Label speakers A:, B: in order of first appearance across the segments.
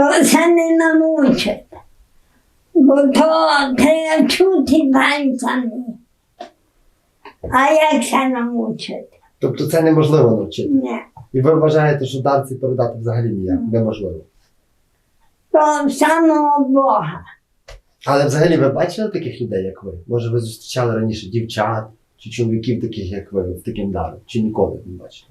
A: То це не намучить. Бо то треба чути танцями. А як це намучити?
B: Тобто це неможливо навчити?
A: Ні.
B: І ви вважаєте, що танці передати взагалі ніяк неможливо?
A: То самого Бога.
B: Але взагалі ви бачили таких людей, як ви? Може ви зустрічали раніше дівчат чи чоловіків таких, як ви, з таким даром? Чи ніколи не бачили?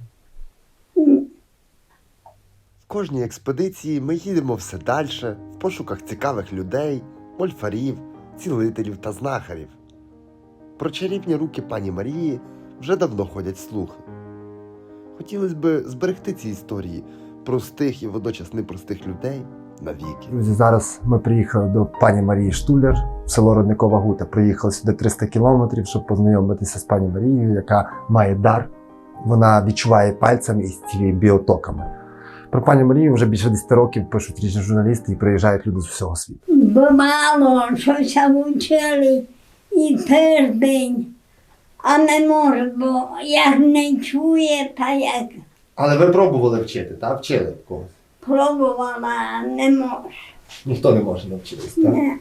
C: В кожній експедиції ми їдемо все далі, в пошуках цікавих людей, мольфарів, цілителів та знахарів. Про чарівні руки пані Марії вже давно ходять слухи. Хотілося б зберегти ці історії простих і водночас непростих людей навіки.
B: Друзі, зараз ми приїхали до пані Марії Штуляр в село Родникова Гута. Приїхали сюди 300 кілометрів, щоб познайомитися з пані Марією, яка має дар. Вона відчуває пальцями і зцілює біотоками. Про пані Марію вже більше 10 років пишуть різні журналісти і приїжджають люди з всього світу.
A: Бувало, щося вчили і тиждень, а не може, бо як не чує, та як
B: Але ви пробували вчити, так? Вчили когось?
A: пробувала, не може.
B: Ніхто не може навчитись, так?
A: Не.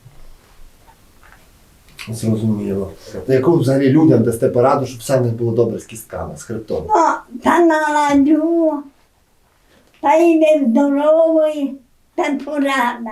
B: Зрозуміло. На яку взагалі людям дасте пораду, щоб все в них було добре з кістками, з хребтом?
A: Ну, та наладжу, та йде здоровий, та порада.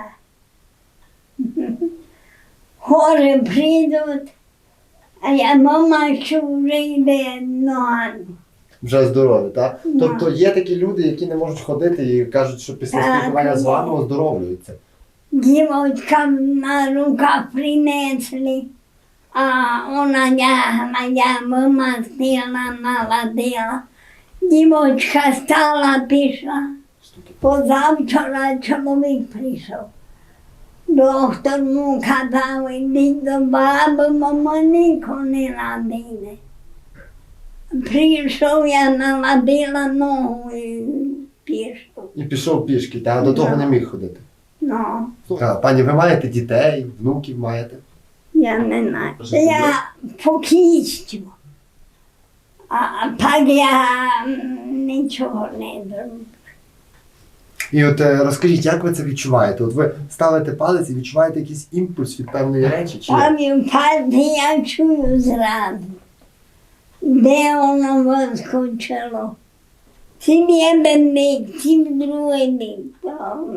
A: Хори прийдуть, а я мама, що вже йде ногами.
B: Вже здорові, так?
A: Да.
B: Тобто є такі люди, які не можуть ходити і кажуть, що після
A: Так,
B: спілкування з
A: є.
B: вами оздоровлюються.
A: Дівочкам на руках принесли, а вона лягла, я вимастила, наладила. Дівочка стала, пішла. Позавчора чоловік прийшов. Доктор му казав, ідіть до баби, мама нікого не ладили. Прийшов, я наладила ногу і пішов.
B: І пішов пішки, та до того
A: Да.
B: не міг ходити.
A: Ну,
B: Пані, ви маєте дітей, внуків маєте?
A: я не знаю.
B: Може,
A: Я покічу. А так я нічого не зроблю.
B: І от розкажіть, як ви це відчуваєте? От ви ставите палець і відчуваєте якийсь імпульс від певної речі? Чи як?
A: Пам'ятати я чую зразу, де воно вискочило. Цим один бік, цим другий бік. То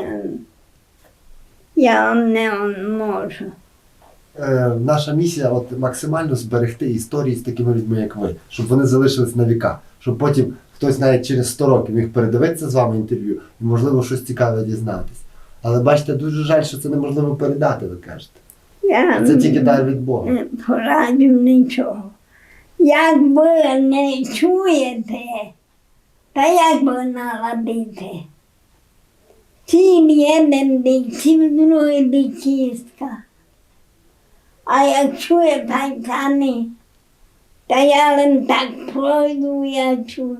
A: я не можу.
B: Наша місія от максимально зберегти історії з такими людьми, як ви, щоб вони залишились на віка, щоб потім хтось навіть через 100 років міг передивитися з вами інтерв'ю і, можливо, щось цікаве дізнатись. Але бачите, дуже жаль, що це неможливо передати, ви кажете.
A: Я
B: Це тільки дар від Бога.
A: не пораджу нічого. Як ви не чуєте, та як ви наладите? Цим один бік, цим другий бік кістка. А як чує пальцями, та я лише так пройду, я чую.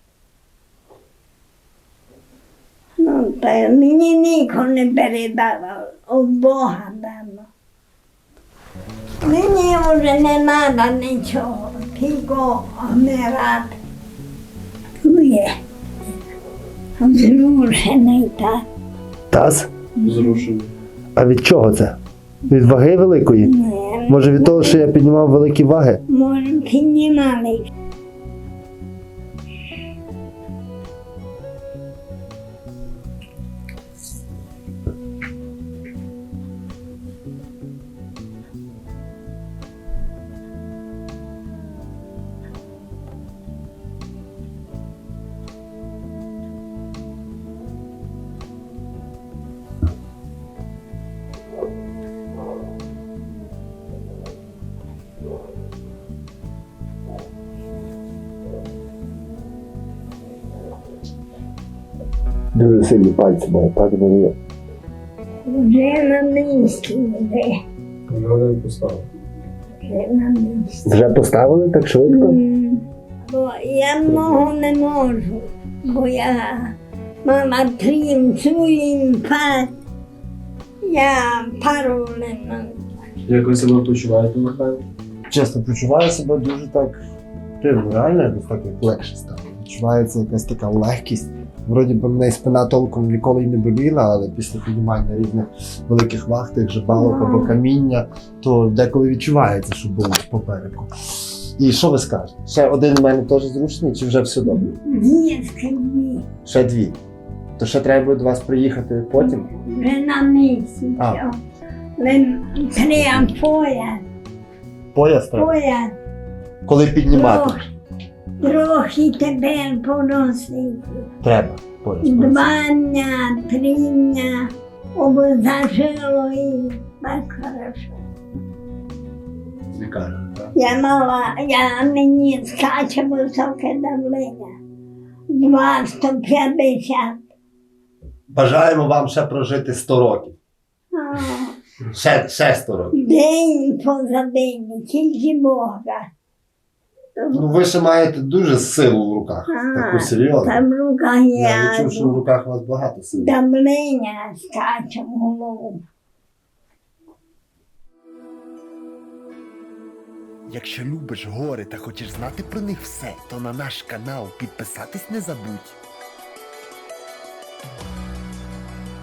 A: Ну, та мені нікого не передавав, у Бога дано. Мені вже не треба нічого, тільки вмирати. Чує, зрушений так.
B: Таз?
D: Зрушений.
B: А від чого це? Від ваги великої?
A: Не,
B: Може від того, що я піднімав великі ваги?
A: може, піднімали.
B: Дуже сильні пальці має, пані Марія.
A: Вже на місці,
D: Його не поставив.
A: вже на місці.
B: Вже поставили так швидко?
A: Бо я много не можу, бо я мала трінцю інфаркт. Я пару не можу.
D: Як ви себе почуваєте, Михайло?
B: Чесно, почуваю себе дуже так дивно, реально якось так як легше стало. Відчувається якась така легкість, Вроді би мене і спина толком ніколи й не боліла, але після піднімання різних великих ваг, тих же балок або каміння, то деколи відчувається, що болить попереку. І що ви скажете? Ще один у мене теж зручний, чи вже все добре?
A: Дітки дві.
B: Ще дві. То ще треба буде до вас приїхати потім?
A: Вже на місці.
B: А.
A: все. Але треба пояс.
B: Пояс треба?
A: Пояс.
B: Коли піднімати?
A: Трохи тебе поносити.
B: Треба пояс.
A: 2 дня, 3 дня, обозажило і так хорошо.
B: Лікарня, так?
A: Я мені скаче високе давлення. 250.
B: Бажаємо вам ще прожити 100 років.
A: А,
B: Ще 100 років.
A: День поза день, тільки Бога.
B: Ну ви ще маєте дуже силу в руках. Таку серйозну.
A: Там в руках
B: Я відчув, що в
A: я
B: руках у вас багато сили.
A: давлення скаче в голову.
C: Якщо любиш гори та хочеш знати про них все, то на наш канал підписатись не забудь.